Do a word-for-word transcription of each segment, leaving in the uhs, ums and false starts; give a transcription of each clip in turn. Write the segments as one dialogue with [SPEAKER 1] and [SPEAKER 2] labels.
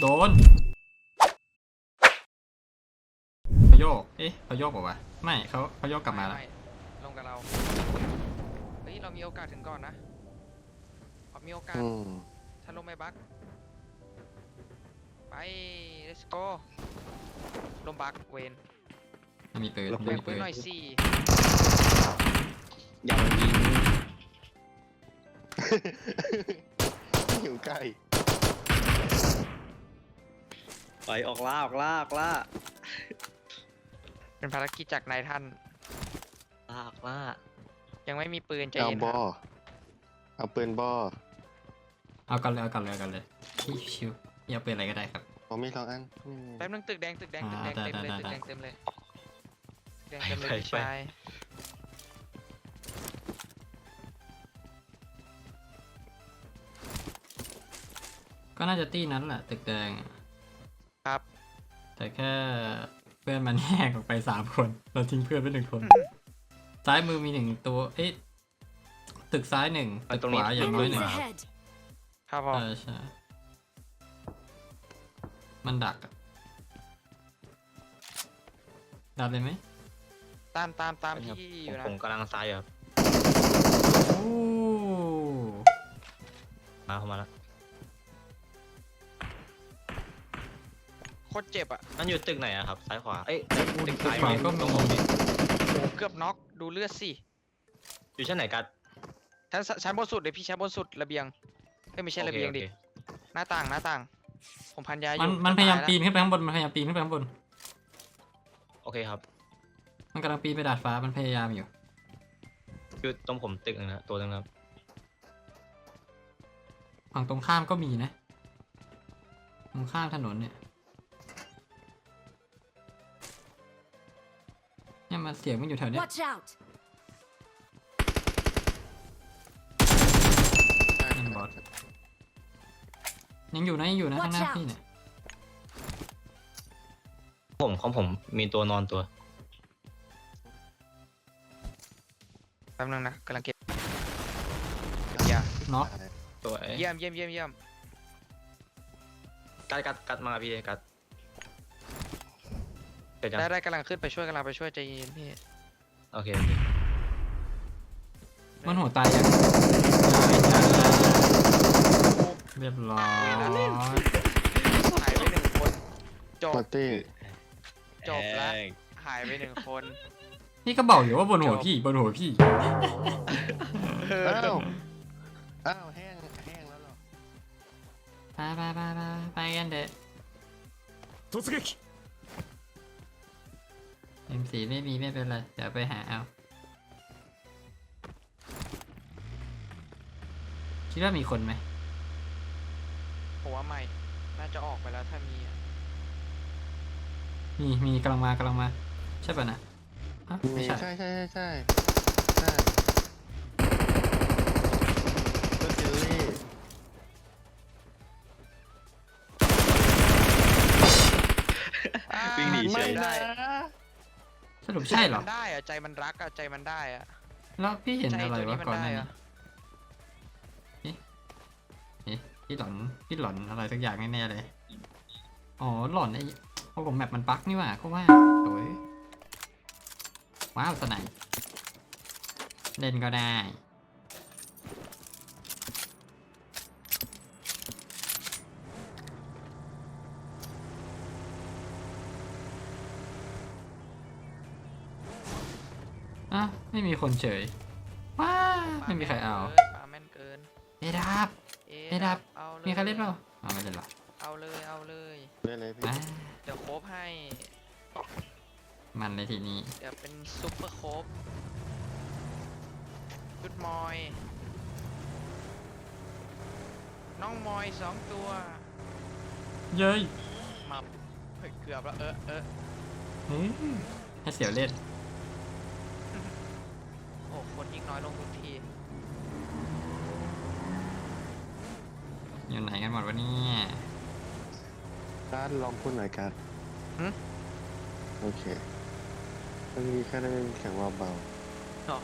[SPEAKER 1] โดนเขาโยกเอ๊ะเขาโยกบอกว่าไม่เขาเขาโยกกลับมาแล้ว
[SPEAKER 2] ลงกับเราเฮ้ยเรามีโอกาสถึงก่อนนะมีโอกาสถ้าลงไม่บักไป let's go ลงบักเวน
[SPEAKER 1] ไม่มีปืน
[SPEAKER 2] แบ่งปืนหน่อยสิ
[SPEAKER 3] อย่ามายิงหิวไก่ไปออกล่าออกล่าออกล่า
[SPEAKER 2] เป็นภารกิจจากนายท่าน
[SPEAKER 3] ล่าออกล่า
[SPEAKER 2] ยังไม่มีปืนใจ
[SPEAKER 3] เอา
[SPEAKER 2] เย็น
[SPEAKER 3] บอเอาปืนบอ
[SPEAKER 1] เอากันเลยเอากันเลยเอากันเลยชิวๆอย่าปืนอะไรก็ได้ครับ
[SPEAKER 3] ผมมีสองอัน
[SPEAKER 2] แป๊บนึงตึกแดงตึกแดงตึกแดงเต็มเลยตึกแดงเต็มเลยตึกแดงเต็มเลยพี่ชาย
[SPEAKER 1] ก็น่าจะตี้นั้นแหละตึกแดง
[SPEAKER 2] ครับ
[SPEAKER 1] แต่แค่เพื่อนมันแยกออกไปสามคนเราทิ้งเพื่อนไปหนึ่งคนซ้ายมือมีหนึ่งตัวเอ๊ะตึกซ้ายหนึ่งตึกขวาอย่างน้อยหนึ่ง
[SPEAKER 2] ครับผม
[SPEAKER 1] ใช่มันดักอะดักเลยไหม
[SPEAKER 2] ตามตามตามที่อยู่นะ
[SPEAKER 3] ผมกำลังซ้ายครับ
[SPEAKER 1] โอ้
[SPEAKER 3] มาเข้ามาแล้ว
[SPEAKER 2] โคตรเจ็บอ่ะ
[SPEAKER 3] มันอยู่ตึกไหนอะครับซ้ายขวาเอ้ย
[SPEAKER 1] ตึกซ้ายก็มี
[SPEAKER 2] เกือบน็อกดูเลือดสิ
[SPEAKER 3] อยู่ชั้นไหนกัน
[SPEAKER 2] ชั้นชั้นบนสุดเลยพี่ชั้นบนสุดระเบียงไม่ใช่ระเบียงดิหน้าต่างหน้าต่างผมพันยาอยู่
[SPEAKER 1] มันมันพยายามปีนขึ้นไปข้างบนมันพยายามปีนขึ้นไปข้างบน
[SPEAKER 3] โอเคครับ
[SPEAKER 1] มันกำลังปีนไปดาดฟ้ามันพยายามอยู่
[SPEAKER 3] คือตรงผมตึกนึงนะตัวนึงครับ
[SPEAKER 1] ฝั่งตรงข้ามก็มีนะตรงข้ามถนนเนี่ยเนี่ยมันเสียงมันอยู่แถวเนี้ยนั่นบอสยังอยู่นะยังอยู่นะข้างหน้าพี่เนี่ย
[SPEAKER 3] ผมของผมมีตัวนอนตัว
[SPEAKER 2] แป๊บนึงนะกำลังเก็บยา
[SPEAKER 1] น็อก
[SPEAKER 3] ตัว
[SPEAKER 2] เยี่ยมเยี่ยมเยี่ยมเยี่ยม
[SPEAKER 3] กัดกัดกัดมาพี่กัด
[SPEAKER 2] ได้ได้กำลังขึ้นไปช่วยกำลังไปช่วยใจเย็นพี่
[SPEAKER 3] โอเค
[SPEAKER 1] มันหัวตายยังเรียบร้อย
[SPEAKER 2] หายไปหนึ่งคนจบจบแล้วหายไปหนึ่งคน
[SPEAKER 1] นี่ก็บอกอยู่ว่าบนหัวพี่บนหัวพี่
[SPEAKER 3] อ้าวอ้าวแห้งแห้งแล้วหรอ
[SPEAKER 1] ไปไปไปไปไปกันเด็ด突撃 เอ็ม สี่ ไม่มีไม่เป็นไรเดี๋ยวไปหาเอาคิดว่ามีคนไหม
[SPEAKER 2] ผมว่าไม่น่าจะออกไปแล้วถ้ามี
[SPEAKER 1] มีมีกำลังมากำลังมาใช่ป่ะนะ
[SPEAKER 3] ไม่ใช่ใช่ใช่ใช่ใช่ใช่ก็เจลลี่วิ่งหนีเฉย
[SPEAKER 2] ได้
[SPEAKER 1] สรุปใช่เหรอ
[SPEAKER 2] ได้อะใจมันรักอะใจมันได้อะ
[SPEAKER 1] แล้วพี่เห็นอะไรวะก่อนหน้านี้นี่พี่หลอนพี่หลอนอะไรสักอย่างแน่ๆเลยอ๋อหลอนไอ้โอ้ผมแมปมันบั๊กนี่หว่าก็ว่าโอ้ยว้าวสไนเล่นก็ได้อ่ะไม่มีคนเฉยว้าไม่มีใครเอา
[SPEAKER 2] ปาแม่นเกิน
[SPEAKER 1] เอดับเอดับมีใครเล่นเปล่าเอาไม่เล่นหรอ
[SPEAKER 2] เอาเลยเอาเลย
[SPEAKER 3] เล่นเลยพี่
[SPEAKER 2] เดี๋ยวโคบให้
[SPEAKER 1] มันในที่นี้
[SPEAKER 2] เดี๋ยวเป็นซุปเปอร์โคบชุดมอยน้องมอยสองตัว
[SPEAKER 1] เย้ย
[SPEAKER 2] มาเกือบแล้วเออเออ
[SPEAKER 1] ให้เสียวเล่น
[SPEAKER 2] โอ้คนยิ่งน้อยลงทุกที
[SPEAKER 1] อยู่ไหนกันหมดวะเนี่ย
[SPEAKER 3] การลองพูดหน่อยกันโอเคมันมีแค่ได้แข็งว่าเบา
[SPEAKER 2] อ๋อ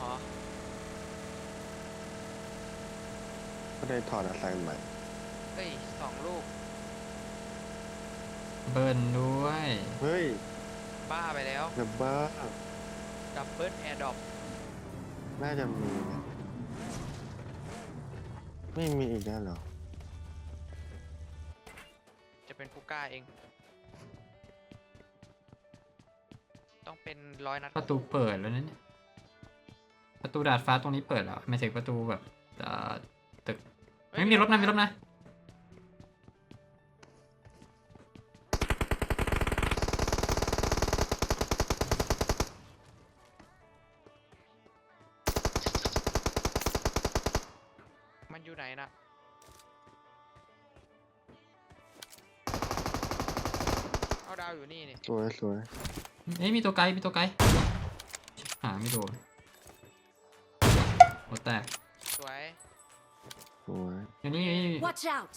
[SPEAKER 3] ก็ได้ถอดอะไรใหม่
[SPEAKER 2] เฮ้ยสองลูก
[SPEAKER 1] เบิลด้วย
[SPEAKER 3] เฮ้ย
[SPEAKER 2] บ้าไปแล้ว
[SPEAKER 3] ดับเบิ้ล
[SPEAKER 2] ดับเบิลแอร์ดรอป
[SPEAKER 3] น่าจะมีนะไม่มีอีกแล้วเหรอ
[SPEAKER 2] จะเป็นกูก้าเอง ต้องเป็นร้อยนัด
[SPEAKER 1] ประตูเปิดแล้วนะเนี่ยประตูดาดฟ้าตรงนี้เปิดแล้วไม่ใช่ประตูแบบเอ่อตึก
[SPEAKER 2] เฮ้ย
[SPEAKER 1] ไม่มีรถนะมีรถนะ
[SPEAKER 2] มันอยู่ไหนนะเอาดาวอยู่นี่นี่
[SPEAKER 3] สวยสวย
[SPEAKER 1] เอ้ยมีตัวไกลมีตัวไกลหาไม่โดนโอ้แตก
[SPEAKER 2] สวย
[SPEAKER 3] สวย
[SPEAKER 1] อยู่นี่อยู่นี่
[SPEAKER 4] Watch out!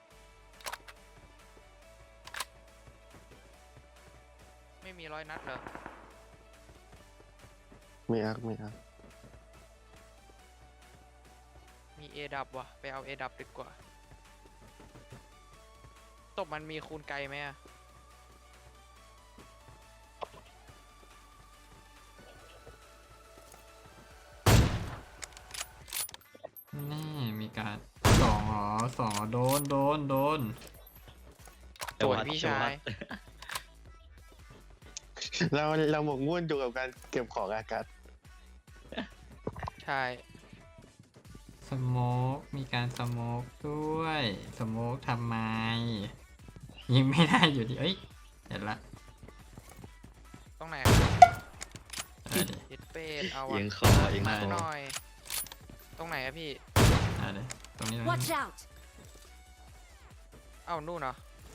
[SPEAKER 2] ไม่มีร้อยนัดเหรอ
[SPEAKER 3] มีอักมีอัก
[SPEAKER 2] มีเอดับวะไปเอาเอดับดีกว่าตบมันมีคูณไกลไหมอะ
[SPEAKER 1] นี่มีการสองอ๋อสองอ๋อโดนโดนโดน
[SPEAKER 2] สวยพี่ชาย
[SPEAKER 3] เราเราหมกมุ่นอยู่กับการเก็บของอากาศ
[SPEAKER 2] ใช่
[SPEAKER 1] สโมกมีการสโมกด้วยสโมกทำไมยิงไม่ได้อยู่ดีเอ้ยเห็นละ
[SPEAKER 2] ตรงไหนครับ
[SPEAKER 1] เอาดิ
[SPEAKER 2] ฮิตเป็ดเอาอะ
[SPEAKER 5] เอียงคอเอียง
[SPEAKER 2] มา
[SPEAKER 5] คอ
[SPEAKER 2] หน่อย ตรงไหนอะพี่
[SPEAKER 1] เอาดิตรงนี้ตรง
[SPEAKER 4] Watch
[SPEAKER 1] นี้
[SPEAKER 4] out!
[SPEAKER 2] เอ้านู่นเหรอ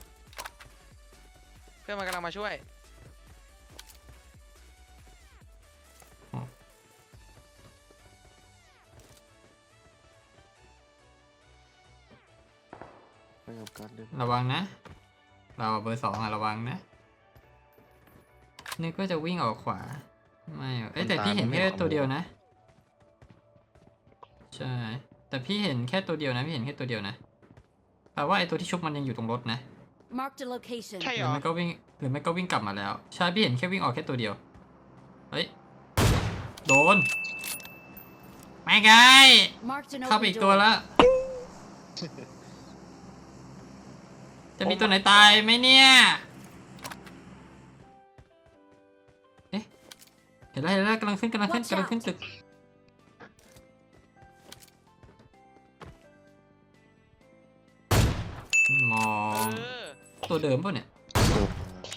[SPEAKER 2] เพื่อนมันกำลังมาช่วย
[SPEAKER 3] ไปกับการเดิน
[SPEAKER 1] ระวังนะ เราเบอร์สองอะระวังนะนึกว่าจะวิ่งออกขวาไม่อะเอ้ยแต่พี่เห็นแค่ตัวเดียวนะใช่แต่พี่เห็นแค่ตัวเดียวนะพี่เห็นแค่ตัวเดียวนะแปลว่าไอ้ตัวที่ชุบมันยังอยู่ตรงรถนะ
[SPEAKER 4] Marked a location.
[SPEAKER 2] ใช่
[SPEAKER 1] ห
[SPEAKER 2] เห
[SPEAKER 1] รื
[SPEAKER 2] ร
[SPEAKER 1] อ
[SPEAKER 2] อ
[SPEAKER 1] ไม่ก็วิ่งหรือไม่ก็วิ่งกลับมาแล้วใช่พี่เห็นแค่วิ่งออกแค่ตัวเดียวเฮ้ยโดนไม่ไง
[SPEAKER 4] Marked an
[SPEAKER 1] เข้าไป
[SPEAKER 4] open
[SPEAKER 1] อีกตัว
[SPEAKER 4] door.
[SPEAKER 1] แล้ว จะมีตัวไหนตายไหมเนี่ย เอ๊ะ เห็นแล้วเห็นแล้วกำลังขึ้นกำลังขึ้น
[SPEAKER 4] Watch
[SPEAKER 1] กำลังขึ้น
[SPEAKER 4] out
[SPEAKER 1] ตึก มอ
[SPEAKER 2] เอง อ
[SPEAKER 1] ตัวเดิมป่ะเนี่ย
[SPEAKER 3] สวย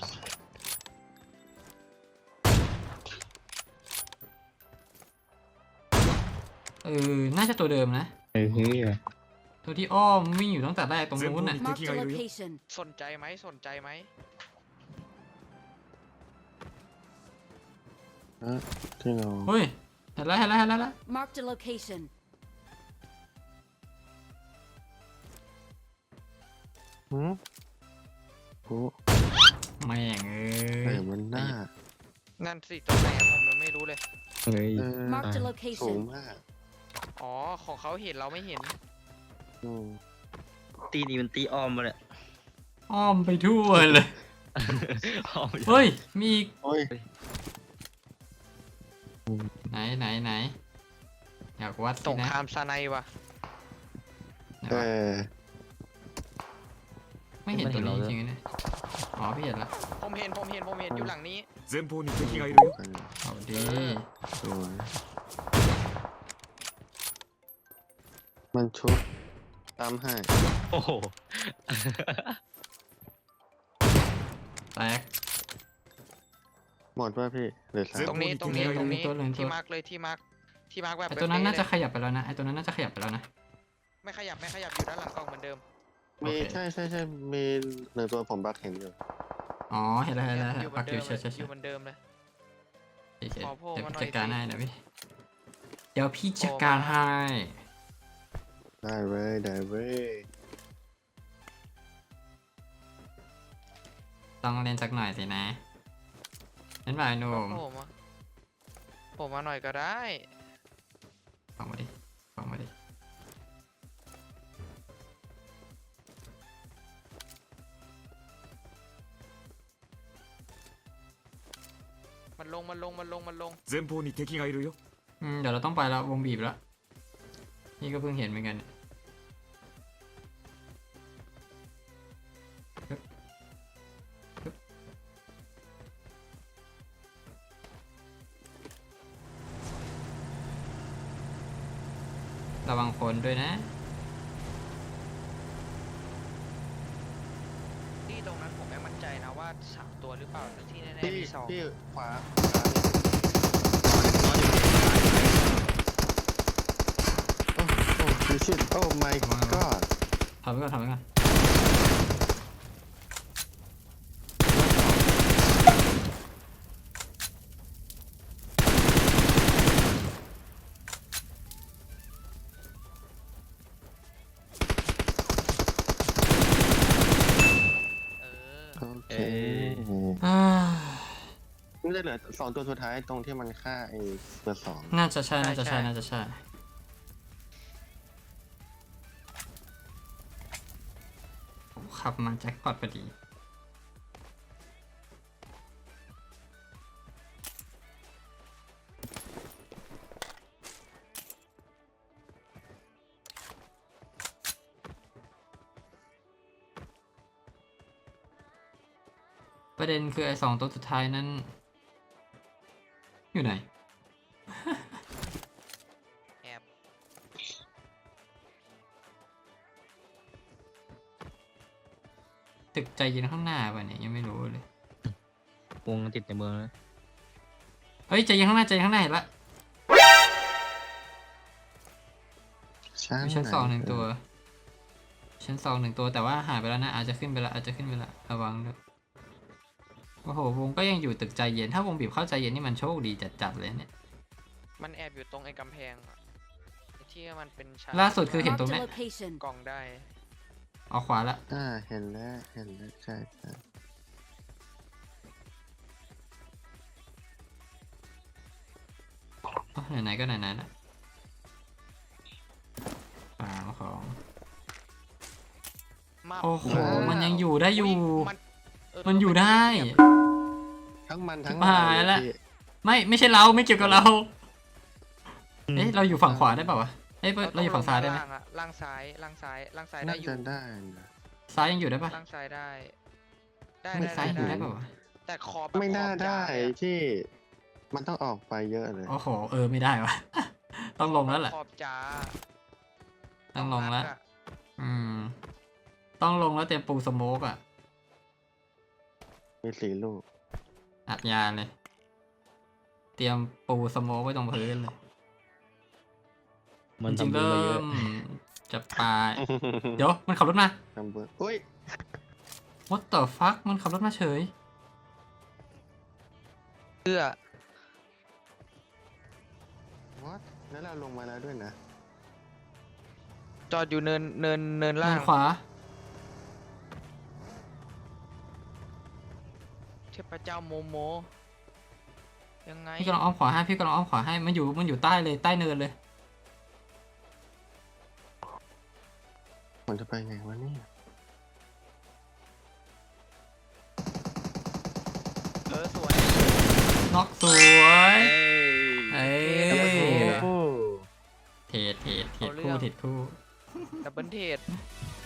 [SPEAKER 1] เออ น่าจะตัวเดิมนะ
[SPEAKER 5] เฮ้ย
[SPEAKER 1] ตัวที่อ้อมวิ่งอยู่ตั้งแต่แรกตรงนู้นน่ะ
[SPEAKER 4] Marked a location.
[SPEAKER 2] สนใจไหมสนใจไหม
[SPEAKER 3] อ่ะที่เรา
[SPEAKER 1] เฮ้ย เห็นแล้วเห็นแล้วเห็นแล้วเห็นแล้ว
[SPEAKER 4] Marked a location.
[SPEAKER 3] หืมโอ้
[SPEAKER 1] แม่งเอ้
[SPEAKER 3] ไหน
[SPEAKER 1] ย
[SPEAKER 3] มันหน้า
[SPEAKER 2] นั่นสิตรงไหนอะผมยังไม่รู้เลย
[SPEAKER 5] เฮ้ย
[SPEAKER 3] เออ
[SPEAKER 4] Marked a
[SPEAKER 3] สูง
[SPEAKER 4] location.
[SPEAKER 3] มาก
[SPEAKER 2] อ๋อ ของเขาเห็นเราไม่เห็น
[SPEAKER 3] อืม
[SPEAKER 5] ตีนี้มันตีอ้อมมาเนี่ย
[SPEAKER 1] อ้อมไปทั่วเลย
[SPEAKER 5] อ้อม
[SPEAKER 1] เฮ้ย มีอีก
[SPEAKER 3] โอ้ย
[SPEAKER 1] ไหนไหนไหนอยากวัด
[SPEAKER 2] ส
[SPEAKER 1] สิ
[SPEAKER 2] ง
[SPEAKER 1] นะ
[SPEAKER 2] ครามซาไนวะ
[SPEAKER 1] ไหน
[SPEAKER 3] เอ
[SPEAKER 1] วะ
[SPEAKER 3] อ
[SPEAKER 1] ไม่เห็นตัวนี้จริงๆนะอ๋อพี่เห็นละ
[SPEAKER 2] ผมเห็นผมเห็นผมเห็นอยู่หลังนี้
[SPEAKER 6] 前方に敵がいるよ。
[SPEAKER 3] กัน
[SPEAKER 1] เอาดี
[SPEAKER 3] สวยมันชุบตามให้
[SPEAKER 5] โอ้โห
[SPEAKER 1] แตก
[SPEAKER 3] หมดว่าพี่เหลือสาม
[SPEAKER 2] ตรงนี้ตรงนี้
[SPEAKER 1] เดี๋ยว
[SPEAKER 2] ตรงนี้
[SPEAKER 1] ตัวหนึ่งตัว
[SPEAKER 2] ที่มาร์กเลยที่มาร์กที่มาร์กแบบ
[SPEAKER 1] ไอตัวนั้นน่าจะ
[SPEAKER 2] เป๊
[SPEAKER 1] ขยับไปแล้วนะไอตัวนั้นน่าจะขยับไปแล้วนะ
[SPEAKER 2] ๆไม่ขยับไม่ขยับอยู่ด้านหลังกล้องเหมือนเดิม
[SPEAKER 3] มี
[SPEAKER 1] โอเค
[SPEAKER 3] ใช่ใช่ใช่มีหนึ่งตัวผมบักเห็นอยู่
[SPEAKER 1] อ๋อเห็นแล้วเห็นแล้ว
[SPEAKER 2] อยู่เหมื
[SPEAKER 1] ปั
[SPEAKER 2] อก น
[SPEAKER 1] อ
[SPEAKER 2] เดิ
[SPEAKER 1] ยู่
[SPEAKER 2] ม
[SPEAKER 1] ใช่
[SPEAKER 2] เลย
[SPEAKER 1] ใช่
[SPEAKER 2] อ
[SPEAKER 1] ใช่
[SPEAKER 2] ยู่เหมือนเดิมเลย
[SPEAKER 1] โอเค
[SPEAKER 2] ขอโผล่
[SPEAKER 1] เดี๋ยว
[SPEAKER 2] มาหน่อย
[SPEAKER 1] จัดการ
[SPEAKER 2] สิ
[SPEAKER 1] ให้นะพี่เดี๋ยวพี่จัดการให้
[SPEAKER 3] ได้เว้ยได้เว้ย
[SPEAKER 1] ต้องเล่นสักหน่อยสินะนั่นบ่ายหนุ่ม
[SPEAKER 2] ผมอะผมมาหน่อยก็ได้
[SPEAKER 1] ฟังมาดิฟังมาดิ
[SPEAKER 2] ลงมันลงมันลงมันลง
[SPEAKER 6] 前方に敵がいるよ。
[SPEAKER 1] อืมเดี๋ยวเราต้องไปแล้ววงบีบแล้วนี่ก็เพิ่งเห็นเหมือนกันปึ๊บปึ๊บระวังคนด้วยนะ
[SPEAKER 2] ที่ตรงนั้นผมไม่มั่นใจนะว่าสามตัวหรือเปล่าแต่ที่แน่ๆ
[SPEAKER 3] พี่
[SPEAKER 2] มีสอง
[SPEAKER 3] พี่ขวา
[SPEAKER 5] นอนอยู่
[SPEAKER 3] โอ้โอ้ดูชิดโอ้ my god
[SPEAKER 1] ทำไว้ก่อนทำไว้ก่อน
[SPEAKER 2] เออ
[SPEAKER 3] โอเค
[SPEAKER 1] อ่า
[SPEAKER 3] นี่จะเหลือสองตัวสุดท้ายตรงที่มันฆ่าไอ้เบอร์สอง
[SPEAKER 1] น่าจะใช่ น่าจะใช่ น่าจะใช่ ขับมาแจ็คพอตพอดี ประเด็นคือไอ้สองตัวสุดท้ายนั้น อยู่ไหน
[SPEAKER 2] แอบ
[SPEAKER 1] ตึกใจเย็นข้างหน้าป่ะเนี่ยยังไม่รู้เลย
[SPEAKER 5] วงติดในเมืองเลย
[SPEAKER 1] เฮ้ยใจเย็นข้างหน้าใจเย็นข้างหน้าเห็นละ
[SPEAKER 3] ชั้น
[SPEAKER 1] มีชั้นสองหนึ่ง
[SPEAKER 3] ไ
[SPEAKER 1] ตัว ชั้นสองหนึ่งตัวแต่ว่าหายไปแล้วนะอาจจะขึ้นไปละอาจจะขึ้นไปละระวังด้วยโอ้โหวงก็ยังอยู่ตึกใจเย็นถ้าวงบีบเข้าใจเย็นนี่มันโชคดีจัดๆเลยเนี่ย
[SPEAKER 2] มันแอบอยู่ตรงไอ้กำแพงอะไอ้ที่มันเป็นชั้น
[SPEAKER 1] ล่าสุดคือเห็น
[SPEAKER 4] Marked
[SPEAKER 1] ตรง
[SPEAKER 4] a
[SPEAKER 1] เนี้ย
[SPEAKER 4] location.
[SPEAKER 2] กล่องได้
[SPEAKER 1] เอาขวาละ
[SPEAKER 3] อ่าเห็นแล้วเห็นแล้วใช่ใช่
[SPEAKER 1] อ๋อไหนๆก็ไหนๆละสามของ
[SPEAKER 2] มา
[SPEAKER 1] โอ้โห
[SPEAKER 2] ว้าว
[SPEAKER 1] มันยังอยู่ได้อยู่
[SPEAKER 2] มันเ
[SPEAKER 1] มันอยู่ได้
[SPEAKER 3] ทั้งมันทั้ง
[SPEAKER 1] ชิบหาย
[SPEAKER 3] เร
[SPEAKER 1] ละ
[SPEAKER 3] พี่
[SPEAKER 1] ไม่ไม่ใช่เราไม่เกี่ยวกับเราเอ๊ะเราอยู่ฝั่งขวาได้เปล่าวะเอ้ยเราอยู่ฝั่งซ้ายได้ไหม
[SPEAKER 2] ล่างอะล่างซ้ายล่างซ้ายล่างซ้ายได้
[SPEAKER 3] น่า
[SPEAKER 2] อยู่
[SPEAKER 3] จะได้นะ
[SPEAKER 1] ซ้ายยังอยู่ได้ปะ
[SPEAKER 2] ล่างซ้ายได้ ได้
[SPEAKER 1] ไม่
[SPEAKER 2] ได้
[SPEAKER 1] ซ้ายอยู่
[SPEAKER 2] ได้
[SPEAKER 1] ได้เปล่าวะ
[SPEAKER 2] แต่ขอบ
[SPEAKER 3] ไม่น่า
[SPEAKER 2] ขอบ
[SPEAKER 3] ได้
[SPEAKER 2] ยาวเลยอะ
[SPEAKER 3] ที่มันต้องออกไปเยอะเลย
[SPEAKER 1] โอ้โหเออไม่ได้วะ ต้องลงแล้วแหละ
[SPEAKER 2] ขอบจ้า
[SPEAKER 1] ต้องลงแล้ว
[SPEAKER 2] นัดอะ
[SPEAKER 1] อืม ต้องลงแล้วเตรียมปูสโมกอ่ะ
[SPEAKER 3] มีสี่ลูก
[SPEAKER 1] อัดยาเลย เตรียมปูสโมกไว้ตรงพื้นเลย
[SPEAKER 5] มัน
[SPEAKER 1] จริงๆ
[SPEAKER 5] ทำบุญ
[SPEAKER 1] เริ่
[SPEAKER 5] มาเยอะ
[SPEAKER 1] มจะปลาย เดี๋ยวมันขับรถมา
[SPEAKER 3] ทำเบอร์อุ้ย
[SPEAKER 1] what the fuck มันขับรถมาเฉย
[SPEAKER 2] เพื่อ
[SPEAKER 3] what แล้วเราลงมาแล้วด้วยนะ
[SPEAKER 2] จอดอยู่เนินเนินเนิน
[SPEAKER 1] เดิ
[SPEAKER 2] ล่าง
[SPEAKER 1] นขวา
[SPEAKER 2] เทพเจ้าโมโม ยังไง
[SPEAKER 1] พี่กำลังอ้อมขวาให้ พี่กำลังอ้อมขวาให้ มันอยู่ มันอยู่ใต้เลย ใต้เนินเลย
[SPEAKER 3] มันจะไปไงวะเนี่ย
[SPEAKER 2] เออสวย
[SPEAKER 1] น็อกสวย
[SPEAKER 5] เอ้ย
[SPEAKER 1] เอ้ย
[SPEAKER 5] โอ้โห
[SPEAKER 1] เทรดเทรดเทรดคู่เทรดคู่
[SPEAKER 2] ดับเบิลเทด